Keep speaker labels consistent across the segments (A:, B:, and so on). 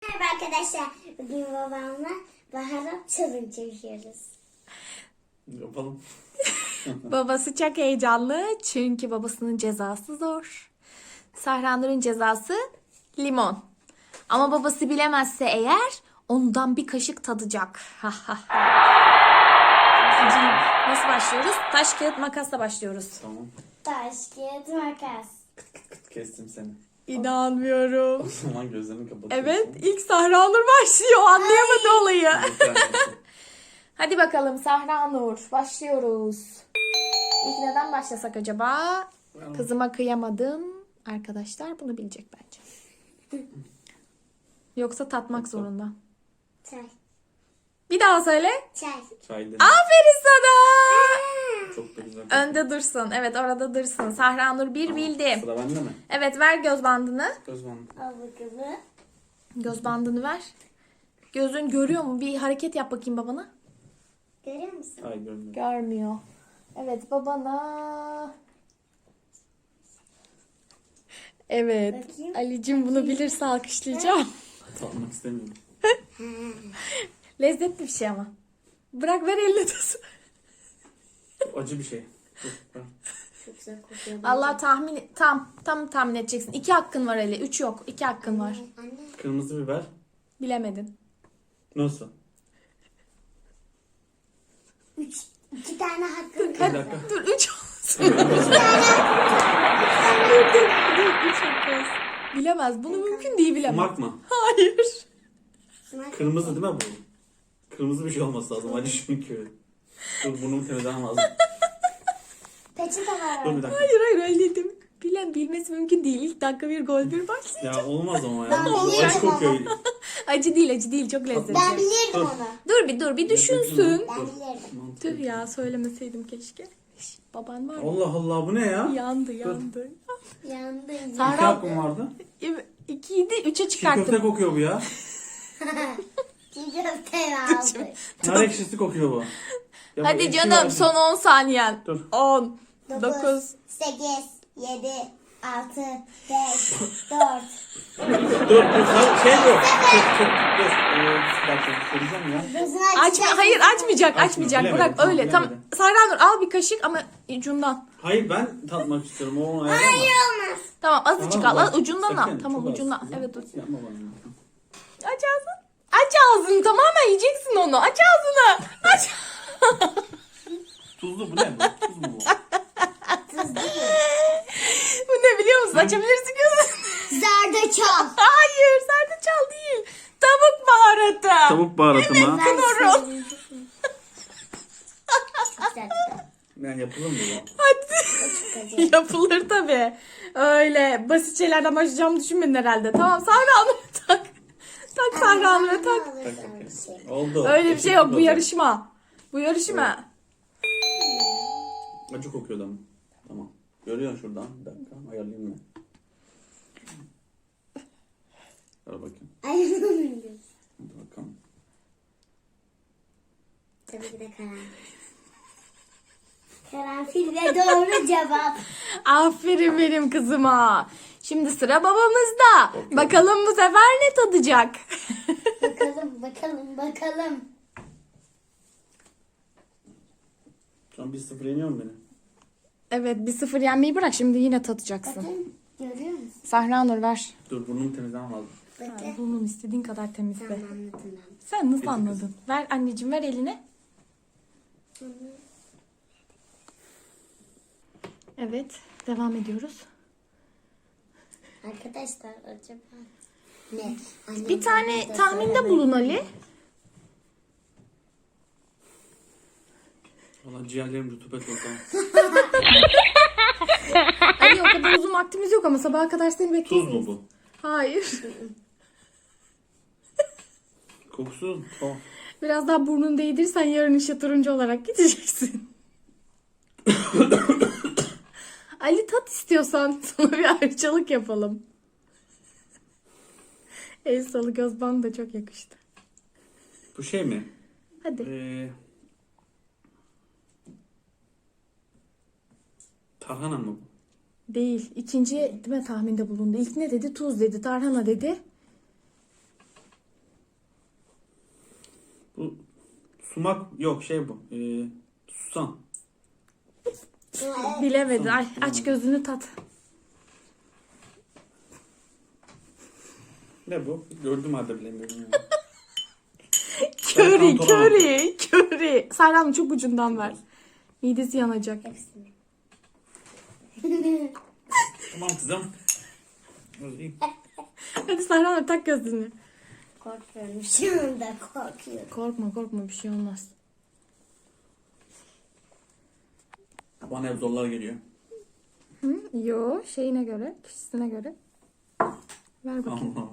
A: Merhaba arkadaşlar. Bugün babamla baharat challenge yapıyoruz.
B: Yapalım.
C: Babası çok heyecanlı çünkü babasının cezası zor. Sahranur'un cezası limon. Ama babası bilemezse eğer ondan bir kaşık tadacak. Nasıl başlıyoruz? Taş, kağıt, makasla başlıyoruz.
B: Tamam.
A: Taş, kağıt, makas.
B: Kestim seni.
C: İnanmıyorum.
B: O zaman gözlerini kapatıyorsun.
C: Evet, ilk Sahranur başlıyor. Anlayamadı olayı.
B: Lütfen.
C: Hadi bakalım Sahranur, başlıyoruz. İlk neden başlasak acaba? Kızıma kıyamadım. Arkadaşlar bunu bilecek bence. Yoksa tatmak zorunda.
A: Çay.
C: Bir daha söyle.
A: Çay.
B: Çaydı.
C: Aferin sana.
B: Çok da güzel.
C: Önde dursun. Evet, orada dursun. Sahranur bir bildi.
B: Sıra bende mi?
C: Evet, ver göz bandını.
B: Göz bandı.
A: Al bakalım.
C: Göz bandını ver. Gözün görüyor mu? Bir hareket yap bakayım babana.
A: Görüyor musun?
B: Ay görmüyorum.
C: Görmüyor. Evet, babana. Evet.
A: Bakayım.
C: Ali'cim bunu bilirse alkışlayacağım.
B: Tatmak istemiyorum.
C: Lezzetli bir şey ama. Bırak, ver elini tutsun.
B: Acı bir şey. Dur, ver.
A: Çok güzel kokuyor.
C: Allah tam tahmin edeceksin. 2 hakkın var Ali. 3 yok. 2 hakkın var.
A: Anne.
B: Kırmızı biber.
C: Bilemedin.
B: Nasıl?
A: İki tane hakkım.
B: Bir dakika.
C: Dur 3 olsun. dur 3 hakkı olsun. Bilemez. Bunu mümkün değil bilemez.
B: Sumak mı?
C: Hayır.
B: Kırmızı değil mi bu? Kırmızı bir şey olması lazım. Acı çünkü. Dur burnumu temizlemem lazım.
A: Peçete var.
B: Dur bir dakika.
C: Hayır öyle dedim. Bilmesi mümkün değil. İlk dakika bir gol bir başlayacak.
B: Ya olmaz ama ya.
A: Ben
B: Bu
A: biliyorum
B: acı kokuyor.
C: Acı değil çok lezzetli.
A: Ben bilirdim
B: Dur.
A: onu.
C: Dur bir düşünsün.
A: Ben bilirdim.
C: Tüh ya, söylemeseydim keşke. Şş, baban var ya.
B: Allah Allah bu ne ya?
C: Yandı.
A: Yandım.
B: İki
C: Sahra
B: hakkım vardı.
C: 2'ydi 3'e
B: Çiğ köfte
C: çıkarttım.
B: kokuyor bu ya.
A: Çiğ köfte aldı.
B: Nar ekşisi kokuyor bu. Ya bu
C: Hadi
B: ekşi
C: canım,
B: var.
C: son 10 saniyen.
B: Dur.
C: 10, 9.
A: 9, 8, 7, 6, 5, 4.
B: Dur şey bu. Dur. Bir dakika söyleyeceğim ya.
A: Gözünü
C: Hayır açmayacak.
B: Bilemedim,
C: Bırak
B: tamam,
C: öyle. Tam
B: bilemedim.
C: Sahranur al bir kaşık ama ucundan.
B: Hayır ben tatmak istiyorum. O
A: Hayır olmaz.
C: Tamam, azıcık
B: Tamam,
C: al.
B: bak,
C: Ucundan al.
B: sakın,
C: Tamam,
B: çok az.
C: ucundan. Evet, dur.
B: Yapma bana.
C: Aç ağzını. Aç ağzını, tamamen yiyeceksin onu. Aç ağzını. Aç.
B: Tuzlu bu ne? Tuz mu bu?
A: Tuz değil.
C: Bu ne biliyor musun? Açabilirsin gözünü.
A: Zerdeçal.
C: Hayır, zerdeçal değil. Tavuk baharatı.
B: Tavuk baharatı mı?
C: Knorr.
A: Çok güzel.
B: Yani yapılır mı bu?
C: Hadi. Yapılır tabii. Öyle basit şeylerden başlayacağımı düşünmedin herhalde. Tamam, Sahranur'a tak. Tak Sahranur'a tak.
B: Oldu.
C: Öyle bir şey yok. Bu
B: oldu.
C: yarışma. Bu yarışma.
B: Acı kokuyor ama. Tamam. Görüyorsun şuradan. Bir dakika ayarlayayım mı? Ver bakayım.
A: Ayırmıyorum.
B: Hadi bakalım.
A: Tabii ki de karanfil. Karanfil de doğru cevap.
C: Aferin benim kızıma. Şimdi sıra babamızda.
B: Okey.
C: Bakalım bu sefer ne tadacak?
A: Bakalım.
B: Şu an 1-0 yeniyorum beni.
C: Evet, 1-0 yenmeyi bırak. Şimdi yine tadacaksın.
A: Bakın görüyor musun?
C: Sahranur ver.
B: Dur burnumu temizlemem lazım.
A: Bekle.
C: Bunun istediğin kadar temizle.
A: Tamam anladım ben.
C: Sen nasıl
B: Peki
C: anladın? Ver anneciğim, ver eline. Evet, devam ediyoruz.
A: Arkadaşlar acaba ne? Annem
C: Bir tane
A: bana da
C: tahminde
A: söylemedi.
C: bulun Ali.
B: Valla ciğerlerim rutubet oldu.
C: Ali, o kadar uzun vaktimiz yok ama sabaha kadar seni
B: Tuz
C: bekleyemeyiz.
B: mu bu?
C: Hayır.
B: Kokusu tuhaf.
C: Biraz daha burnunu değdirsen yarın işe turuncu olarak gideceksin. Ali, tat istiyorsan sana bir ayrıcalık yapalım. El salı göz bandı da çok yakıştı.
B: Bu şey mi?
C: Hadi.
B: Tarhana mı bu?
C: Değil. İkinci değil mi tahminde bulundu. İlk ne dedi? Tuz dedi. Tarhana dedi.
B: Sumak yok şey bu. Susam.
C: Bilemedi. Ay, aç gözünü tat.
B: Ne bu? Gördüm halde bilemiyorum. Yani.
C: Köri,
B: Serkan
C: köri, köri. Serhan çok ucundan ver. Midesi yanacak.
A: Hepsini.
B: Tamam kızım. Özleyeyim.
C: Hadi Serhan tak gözünü.
A: Korkuyorum. Şu anda korkuyorum.
C: Korkma korkma bir şey olmaz.
B: Bana hep zorlar geliyor.
C: Hı? Yo şeyine göre, kişisine göre. Ver bakayım.
B: Allah Allah.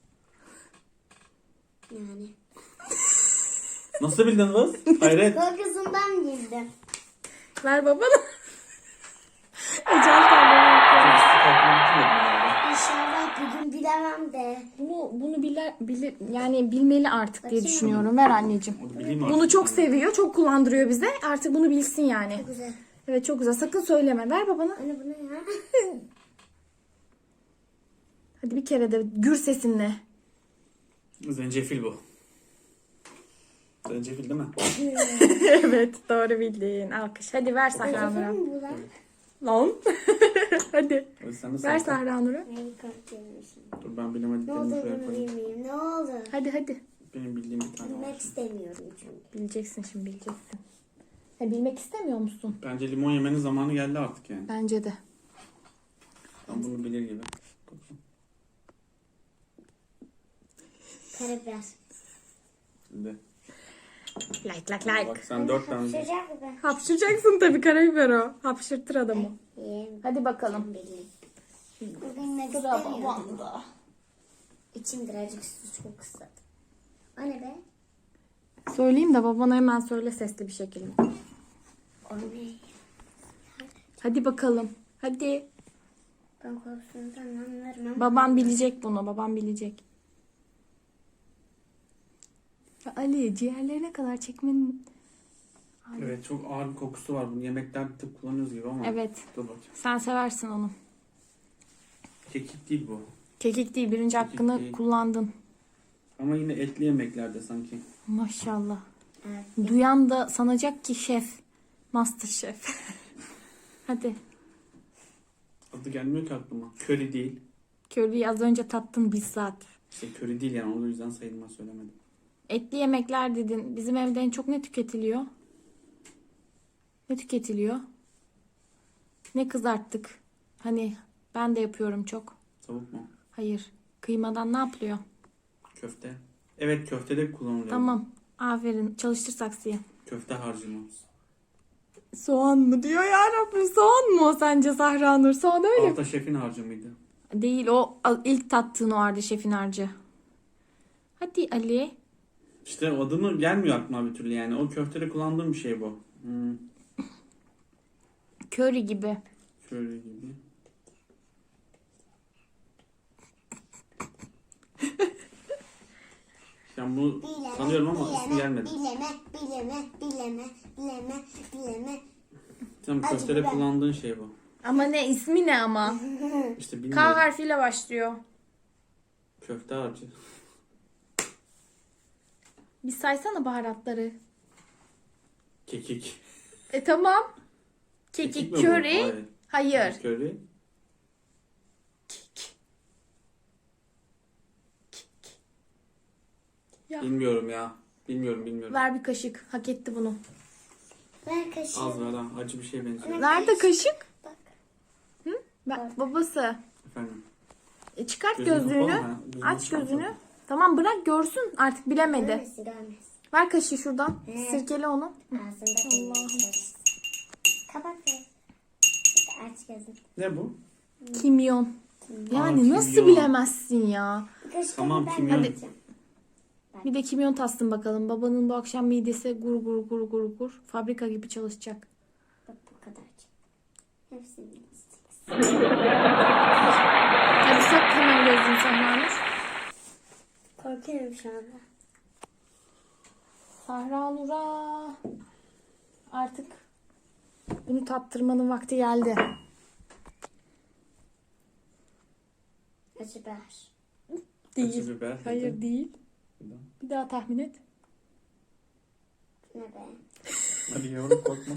A: Yani.
B: Nasıl bildin kız? Hayret.
A: Korkusundan girdim.
C: Ver babana. Ecel terleri yapıyor.
A: İnşallah bugün bilemem de.
C: Bunu yani bilmeli artık diye
A: Bakayım.
C: düşünüyorum. Ver anneciğim.
B: Onu bileyim
C: Bunu
B: artık.
C: çok seviyor, çok kullandırıyor bize. Artık bunu bilsin yani.
A: Güzel.
C: Evet çok güzel. Sakın söyleme. Ver babana.
A: Anne bu ne ya?
C: Hadi bir kere de gür sesinle.
B: Zencefil bu. Zencefil değil mi?
C: Evet doğru bildin. Alkış. Hadi ver Sahra Nur'a.
A: Zencefil mi bu lan?
C: Lan. Hadi.
B: Hadi sen de
C: Ver
B: sen.
C: Sahra Nur'a.
A: Neyi korkuyorum şimdi?
B: Dur ben
A: Ne
B: bilemediklerimi
A: oldu
B: şuraya
A: bunu
B: koyayım.
A: bilmeyeyim. Ne oldu?
C: Hadi.
B: Benim bildiğim bir tane
A: Bilmek
B: var.
A: istemiyorum çünkü.
C: Bileceksin şimdi bileceksin. Bilmek istemiyor musun?
B: Bence limon yemenin zamanı geldi artık yani.
C: Bence de.
B: Ben bunu bilir gibi.
A: Karabiber.
B: Şimdi.
C: Like.
B: Bak sen 4 tane.
A: Hapşıracak mı?
C: Hapşıracaksın tabii karabiber o. Hapşırtır adamı.
A: Yiyeyim.
C: Hadi bakalım.
A: Bilmek
C: Sıra
A: istemiyorum.
C: babamda.
A: İçim birazcık su çok ısladı. O ne be?
C: Söyleyeyim de babana hemen söyle sesli bir şekilde.
A: O ne?
C: Hadi bakalım. Hadi.
A: Ben korkusundan anlarım ama.
C: Babam bilecek bunu. Babam bilecek. Ya Ali ciğerlerine kadar çekmenin...
B: Evet çok ağır bir kokusu var. Bunu yemeklerde tıp kullanıyoruz gibi ama.
C: Evet.
B: Dur bakayım.
C: Sen seversin onu.
B: Kekik değil bu.
C: Kekik değil. Birinci
B: Kekik
C: hakkını
B: değil.
C: kullandın.
B: Ama yine etli yemeklerde sanki.
C: Maşallah.
A: Evet.
C: Duyan da sanacak ki şef. Master şef. Hadi.
B: Adı gelmiyor ki aklıma. Köri değil.
C: Köriyi az önce tattın bizzat.
B: İşte köri değil yani. O yüzden sayılmaz söylemedim.
C: Etli yemekler dedin. Bizim evde en çok ne tüketiliyor? Ne tüketiliyor? Ne kızarttık? Hani ben de yapıyorum çok.
B: Tavuk mu?
C: Hayır. Kıymadan ne yapılıyor?
B: Köfte. Evet köfte de kullanılıyor.
C: Tamam. Aferin. Çalıştır saksıyı.
B: Köfte harcımı.
C: Soğan mı diyor ya Rabbim? Soğan mı o sence Zahra Nur? Soğan öyle mi?
B: Alta şefin harcı mıydı?
C: Değil o ilk tattığın o vardı şefin harcı. Hadi Ali.
B: İşte adını gelmiyor aklıma bir türlü yani. O köftede kullandığım bir şey bu.
C: Köri gibi.
B: Şöyle gibi. Ben bunu sanıyorum ama ismi gelmedi.
A: Bileme.
B: Tamam
A: Acı
B: köftede
A: biber.
B: kullandığın şey bu.
C: Ama ne ismi ne ama?
B: İşte
C: K
B: bilmiyorum.
C: harfiyle başlıyor.
B: Köfte harcı.
C: Bir saysana baharatları.
B: Kekik.
C: Tamam.
B: Kekik
C: Kekik,
B: mi bu?
C: köri. Hayır.
B: Köri.
C: Ya.
B: Bilmiyorum ya. Bilmiyorum.
C: Ver bir kaşık. Hak etti bunu.
A: Ver kaşığı.
B: Az ver ha. Acı bir şey benziyor.
C: Nerede kaşık?
A: Bak.
C: Babası.
B: Efendim.
C: Çıkart
B: Gözünü
C: gözlüğünü.
B: kapalı mı? Gözünü
C: Aç
B: kapalı.
C: gözünü. Tamam bırak görsün. Artık bilemedi.
A: Görmez.
C: Ver kaşığı şuradan.
A: He.
C: Sirkele onu.
A: Ağzında bilmek. Kapat be. Aç gözünü.
B: Ne bu?
C: Kimyon. Yani
B: Aa,
C: nasıl
B: kimyon.
C: bilemezsin ya?
A: Bir kaşık
B: Tamam,
A: da ben
B: kimyon.
A: vereceğim.
C: Bir de kimyon tatsın bakalım. Babanın bu akşam midesi gur gur gur gur gur. Fabrika gibi çalışacak.
A: Bak bu kadarcık. Hepsini yiyeceğiz.
C: Hadi sak hemen gözünü Sahra Nur.
A: Korkuyorum şu anda.
C: Sahra Nur'a artık bunu tattırmanın vakti geldi.
A: Acı biber.
C: Değil.
B: Acı biber.
C: Hayır değil.
B: Bir daha.
C: Bir daha tahmin et.
A: Ne be?
B: Hadi yavrum korkma.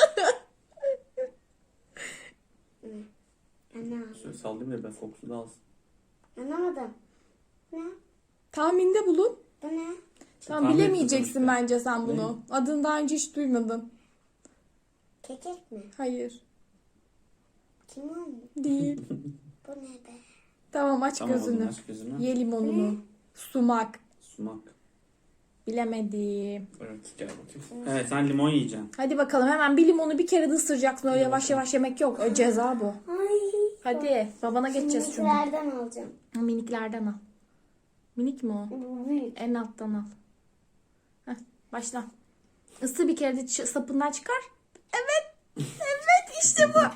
A: Anlamadım.
B: Şöyle sallayayım da ben kokusunu alsın.
A: Anlamadım. Ne?
C: Tahminde bulun.
A: Bu ne?
C: Tamam,
B: Tahmin
C: bilemeyeceksin
B: ettim işte.
C: bence sen bunu. Adını daha önce hiç duymadın.
A: Kekik mi?
C: Hayır.
A: Kimon mu?
C: Değil.
A: Bu ne be?
C: Tamam, aç
B: Tamam o zaman
C: gözünü.
B: aç gözünü.
C: Ye limonunu. Sumak.
B: Sumak.
C: Bilemedim.
B: Evet gel bakayım. Evet sen limon yiyeceksin.
C: Hadi bakalım, hemen bir limonu bir kere de ısıracaksın. Öyle yavaş yavaş yemek yok. O ceza bu.
A: Ay.
C: Hadi babana geçeceğiz çünkü.
A: Miniklerden alacağım.
C: Miniklerden al. Minik mi o?
A: Bu büyük.
C: En alttan al. Heh, başla. Isı bir kere de sapından çıkar. Evet. Evet, işte bu.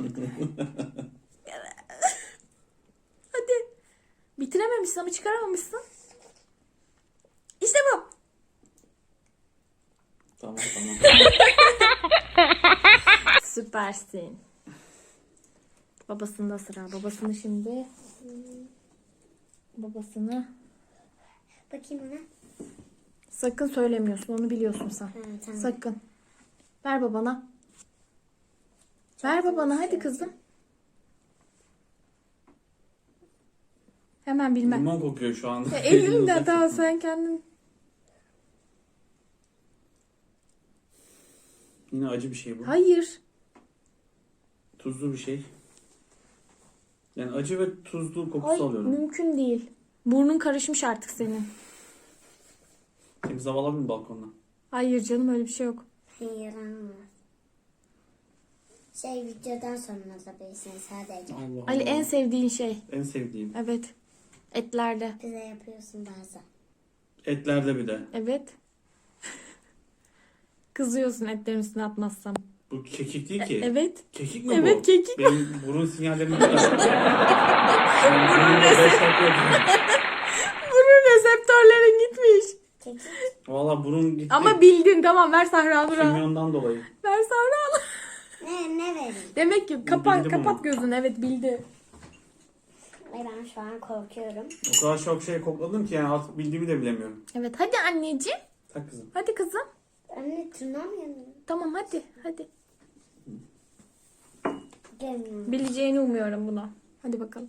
C: Hadi. Bitirememişsin ama çıkaramamışsın. İşte bu.
B: Tamam tamam.
C: Süpersin. Babasında sıra. Babasını şimdi. Babasını.
A: Bakayım ona.
C: Sakın söylemiyorsun. Onu biliyorsun sen.
A: Ha, tamam.
C: Sakın. Ver babana. Ver babana hadi kızım. Hemen bilmem.
B: Limon kokuyor şu anda.
C: Elinden daha sen kendin.
B: Yine acı bir şey bu.
C: Hayır.
B: Tuzlu bir şey. Yani acı ve tuzlu kokusu
C: Ay,
B: alıyorum.
C: mümkün değil. Burnun karışmış artık senin.
B: Temiz hava alabilir miyim balkondan?
C: Hayır canım, öyle bir şey yok.
A: Hayır anlamadım. Videodan sonra alabilirsin sadece.
B: Allah
C: Ali, en sevdiğin şey.
B: En sevdiğim.
C: Evet. Etlerde.
A: Bize yapıyorsun bazen.
B: Etlerde bir de.
C: Evet. Kızıyorsun etlerin üstüne atmazsam.
B: Bu kekik değil ki.
C: Evet.
B: Kekik mi bu?
C: Evet, kekik.
B: Benim burun sinyallerimi duyar. Ben burnumda 5 dakika oldu.
C: Burun reseptörlerin gitmiş.
A: Kekik.
B: Valla burun gitti.
C: Ama bildin, tamam, ver Sahra Nur'a.
B: Kimyondan dolayı.
C: Ver Sahra Nur'a.
A: Ne vereyim?
C: Demek ki
B: bildim
C: kapat
B: ama.
C: gözünü, evet bildi.
A: Ay ben şu an korkuyorum.
B: O kadar çok şey kokladım ki yani artık bildiğimi de bilemiyorum.
C: Evet, hadi anneciğim.
B: Tak kızım.
C: Hadi kızım.
A: Anne tırnağım yanıyor.
C: Tamam, hadi.
A: Gelmiyor.
C: Bileceğini umuyorum bunu. Hadi bakalım.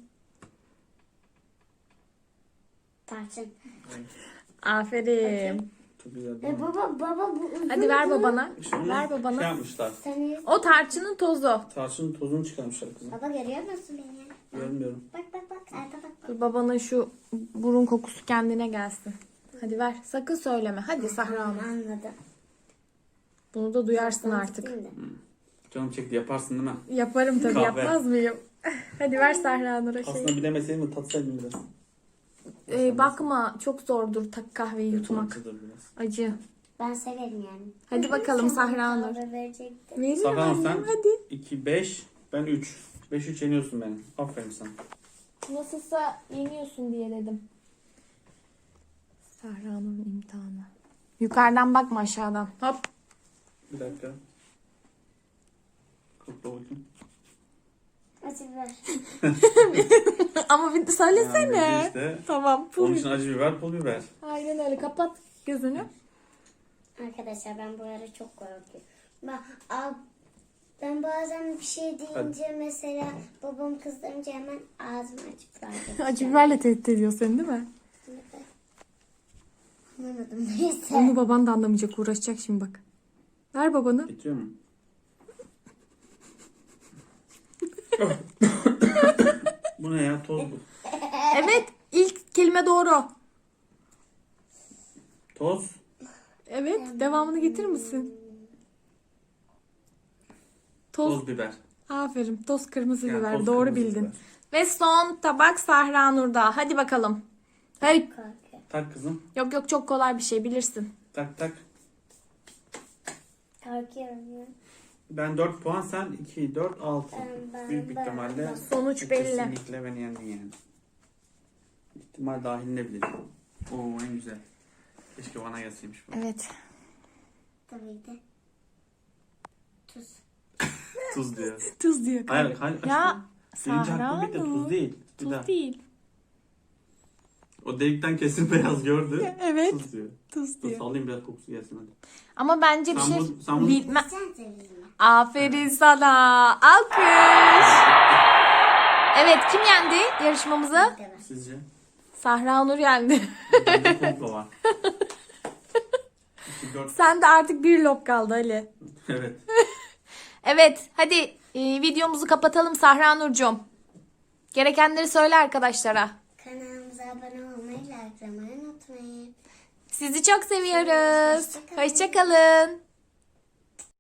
A: Tarçın.
C: Aferin.
B: Çok güzel değil mi?
A: Baba bu uzun.
C: Hadi ver babana.
B: İşte onu
C: Ver
B: Şey
C: babana.
B: yapmışlar.
A: Sen
C: O tarçının tozu.
B: Tarçının tozunu çıkarmışlar kızım.
A: baba görüyor musun beni?
B: Görmüyorum.
A: Bak. Arka bak.
C: Dur, babanın şu burun kokusu kendine gelsin. Hadi ver. Sakın söyleme. Hadi Sahra Hanım.
A: Anladım.
C: Bunu da duyarsın artık.
A: Değil mi?
B: Canım çekti yaparsın değil mi?
C: Yaparım tabii.
B: Kahve.
C: Yapmaz mıyım? Hadi ver Sahra Nur'a
B: Aslında
C: şey.
B: bilemeseydim de tatsaydım biraz.
C: Bakma, çok zordur kahveyi yutmak.
B: Acıdır biraz.
C: Acı.
A: Ben severim yani.
C: Hadi bakalım Sahra Nur.
A: Kahve verecektim.
C: Veririm
B: Sahra
C: annem,
B: sen
C: hadi.
B: 2, 5, ben 3. 5-3 yeniyorsun beni. Aferin sana.
C: Nasılsa yeniyorsun diye dedim. Sahra Nur'un imtihanı. Yukarıdan bakma, aşağıdan. Hop.
B: Bir dakika. Kokla bakayım.
A: Acı ver.
C: Ama bir de söylesene.
B: Yani işte,
C: Tamam.
B: onun için acı biber, pul biber.
C: Aynen öyle. Kapat gözünü.
A: Arkadaşlar ben bu ara çok korkuyorum. Ben bazen bir şey deyince mesela babam kızdırınca hemen ağzımı açıp verdim.
C: Acı biberle tehdit ediyor seni, değil mi?
A: Anlamadım neyse.
C: Onu baban da anlamayacak. Uğraşacak şimdi bak. Ver babanı.
B: Bitiyor mu? Bu ne ya? Toz bu.
C: Evet. İlk kelime doğru.
B: Toz.
C: Evet. Devamını getirir misin? Toz.
B: Toz biber.
C: Aferin. Toz kırmızı
B: Yani
C: biber.
B: toz
C: Doğru
B: kırmızı
C: bildin.
B: biber.
C: Ve son tabak Sahra Nur'da. Hadi bakalım. Hey.
A: Korkuyorum.
B: Tak kızım.
C: Yok çok kolay bir şey, bilirsin.
B: Tak tak.
A: Korkuyorum ya.
B: Ben 4 puan, sen 2, 4, 6.
A: Ben-
B: Büyük bir
A: ben-
B: ihtimalle
C: Sonuç belli.
B: kesinlikle beni yendin yani. İhtimal dahilinde bile. Oo en güzel. Keşke bana gelseymiş bu.
C: Evet.
A: Tabii ki. Tuz.
B: Tuz diyor.
C: Tuz diyor.
B: Hayır, hayır.
C: Ya
B: aşkım. Birinci
C: Sahra
B: hakkım bitti.
C: Nur.
B: Tuz değil. Bir daha.
C: Tuz değil.
B: O delikten kesin beyaz gördü.
C: Evet.
B: Tuz diyor.
C: Tuz
B: Dur
C: diyor.
B: sallayayım biraz kokusu gelsin hadi.
C: Ama bence bir
B: Sen
C: şey
B: bu- sen bu-
C: bilmem.
A: Sen sevdin.
C: Aferin sana. Alkış. Evet, kim yendi yarışmamızı?
B: Sizce?
C: Sahra Nur yendi.
B: Bende komplo var. İki, dört.
C: Sen de artık bir lob kaldı Ali.
B: Evet.
C: Evet, hadi videomuzu kapatalım Sahra Nurcuğum. Gerekenleri söyle arkadaşlara.
A: Kanalımıza abone olmayı, likelamayı unutmayın.
C: Sizi çok seviyoruz.
A: Hoşça kalın.
C: Hoşça kalın.